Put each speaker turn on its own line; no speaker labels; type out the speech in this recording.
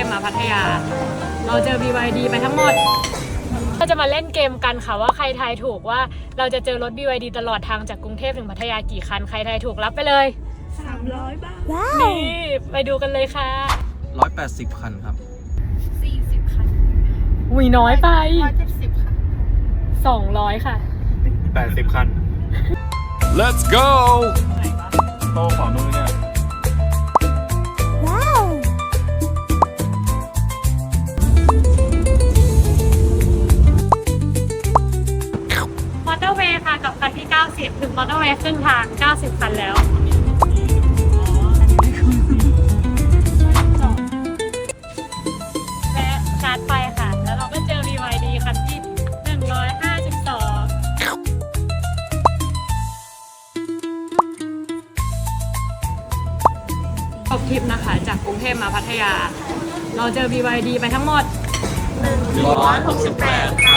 พมาพัทยาเราเจอ BYD ไปทั้งหมดก็จะมาเล่นเกมกันค่ะว่าใครทายถูกว่าเราจะเจอรถ BYD ตลอดทางจากกรุงเทพถึงพัทยากี่คันใครทายถูกรับไปเลย
300 บาท
นี่ไปดูกันเลยค่ะ
180 คันครับ
40 คัน
อุ้ยน้อยไป
170 ค่ะ
200ค่ะ
80 คัน
Let's go
โตขวามือเนี่ย
มอเตอร์เวย์ค่ะกับคันที่90ถึงมอเตอร์เวย์ครึ่งทาง90คันแล้วและชาร์จไฟค่ะแล้วเราก็เจอ BYD คันที่152จบทริปนะคะจากกรุงเทพมาพัทยาเราเจอ BYD ไปทั้งหมด168คัน